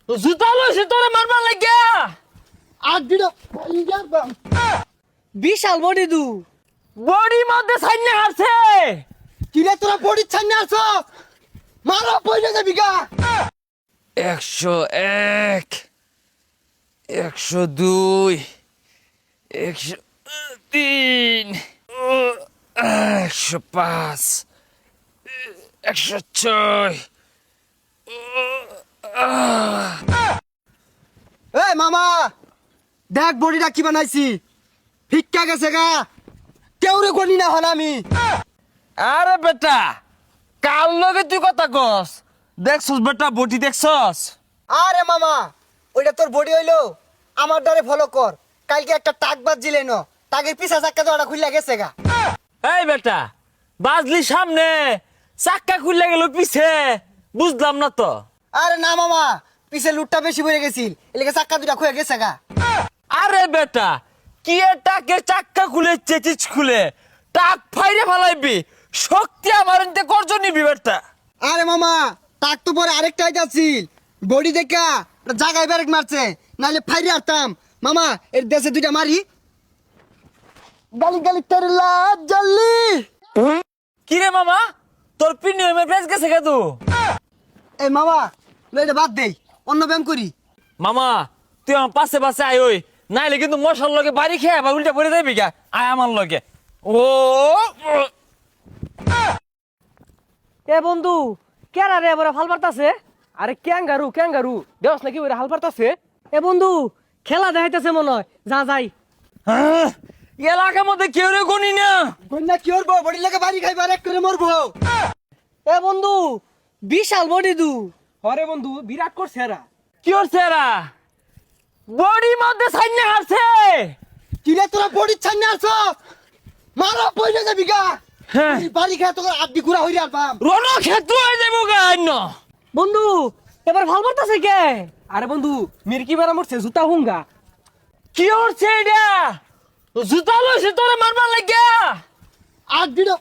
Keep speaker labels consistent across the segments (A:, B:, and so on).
A: জুতা লইছে তোরে মারবার লাগিয়া।
B: আর দিলো
C: বিশাল বডি দু
A: বডি মধ্যে সাইনে হারছে।
B: কিরে তোরা বডি ছান্নে আছো মারা পয়সা যাবি গা
A: 101 102 103 105 106
B: এই মামা দেখ বডিটা কি বানাইছি ফিক্কা গেছে গা কেউরে গনি না হন আমি
A: আরে বেটা কাল লগে তুই কথা কস দেখছস বেটা বডি দেখছস।
B: আরে মামা ওইটা তোর বডি হইলো আমার দ্বারে ফলো কর কালকে একটা টাক বাজছিলে ন টাকের পিছা চাক্কা তো ওটা খুললা গেছে গা
A: এই বেটা বাজলি সামনে চাক্কা খুললে গেল পিছে বুঝলাম না তো।
B: আরে না মামা পিছে লুটটা বেশি পড়ে গেছিল এলাকা চাক্কা দুটা খুলে গেছে গা
A: আরে বেটা কি টাকের চাক্কা খুলে চেচিচ খুলে টাক ফাইরে ফেলাইবি শক্তি আমার এনতে করজ নিবি বেটা।
B: আরে মামা টাক তো পরে আরেকটা আইতাছিল বডি দেখা জায়গায় ব্যারেক মারছে নাহলে ফাইরে আরতাম মামা এর দেশে দুইটা মারি গালি গালি তেরে লাজ জ্বললি
A: কি রে মামা তোর প্রিমিয়ামের প্রাইস গেছে কে তু?
B: এই মামা এটা বাদ দেই অন্য ব্যায়াম করি
A: মামা তুই আমার পাশে পাশে আয় ওই নাইলে কিন্তু মশার লগে বাড়ি খেয়ে আবার উল্টা পড়ে যাবি গা আয় আমার লগে। ও
C: এ বন্ধু কেরা রে এবারে হাল পারতাছে। আরে ক্যাঙ্গারু দেওস নাকি ওরে হাল পারতাছে। এ বন্ধু খেলা দেখাইতেছে মনে হয় যা যাই।
A: হ্যাঁ, এলাকার মধ্যে কেউ রে গনি না।
B: বন্যা কি করবো বডি লাগে বাড়ি খাইবার এক করে মরবো
C: এ বন্ধু বিশাল বডি দু হরে বন্ধু বিরাট করছে এরা।
A: কি হচ্ছে এরা বডির মধ্যে সাইনে হারছে।
B: কিরে তোরা বডি ছান্নে আছো মারা পয়সা যাবি গা
A: হ্যাঁ
B: বাড়ি খায় তোর আড্ডি ঘুরা হইরে আলবাম
A: রণ ক্ষেত্র হয়ে যাবো গা অন্য।
C: বন্ধু এবার ভাল পারতাছে কে? আরে বন্ধু মিরকি বেড়া মরছে জুতা হুঙ্গা।
A: কি হচ্ছে এটা জুতা লইছে তোরে মারবার লাগিয়া।
B: আড্ডিটা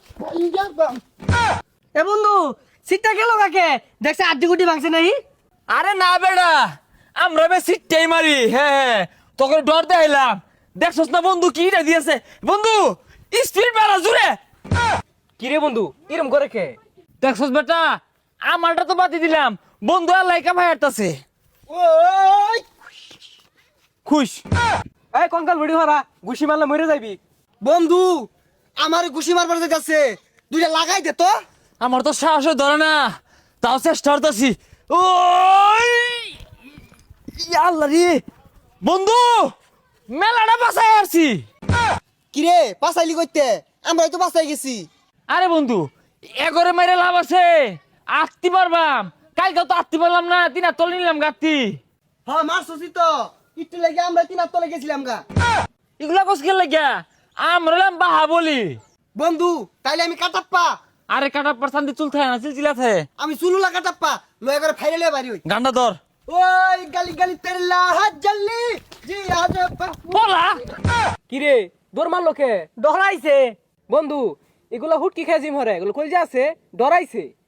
C: এ বন্ধু সিটটা গেল কাকে দেখছে আড্ডি গুটি ভাঙছে নাই।
A: আরে না বেড়া আমরা বে সিটটাই মারি। হ্যাঁ তোকে ডর দেখাইলাম দেখছস না বন্ধু কিটা দিয়েছে বন্ধু স্পিড বেড়া জুড়ে।
C: কিরে বন্ধু এরম করে কে?
A: দেখছস বেটা আমারটা তো বাতি দিলাম বন্ধু আর লাইকা ভাই হাঁটতাছে
B: ওই
A: খুশ।
C: এই কঙ্কাল ভিডিও হারা ঘুষি মারলে মরে যাবি।
B: বন্ধু আমার ঘুষি মারবার যাচ্ছে দুইটা লাগাই দে তো
A: আমার তো সাহস ধরে না তাও চেষ্টা করতেছি। ওই আল্লাহ রে বন্ধু মেলাটা বাসায় আসছি।
B: কিরে পাসাইলি কইতে আমরাই তো বাসাই গেছি
A: আরে বন্ধু এগরে মেরে লাভ আছে আত্তি পারবাম কালকে তো আত্তি পারলাম না তিন তল নিলাম গাত্তি।
B: হ্যাঁ মারছসি তো একটু লাগে আমরা তিনার তলে গেছিলাম গা
A: এগুলা কস খেল লাগিয়া আমরা বাহা বলি।
B: বন্ধু তাইলে আমি কাটাপ্পা
A: আরে কাটা পারসান্তি চুল থাকে না চিলচিলা থাকে।
B: আমি চুলুলা কাটাপ্পা লয়ে করে ফাইলে লয়ে বাড়ি হই
A: গান্ডা ধর
B: ওই গালি গালি তেরে লাহাজ জ্বললি জি আজ
A: বলা
C: কিরে দৌড় মারলো কে? ডরাইছে বন্ধু এগুলো হুটকি খেয়ে জিম হরে এগুলো কই যে আছে ডরাইছে।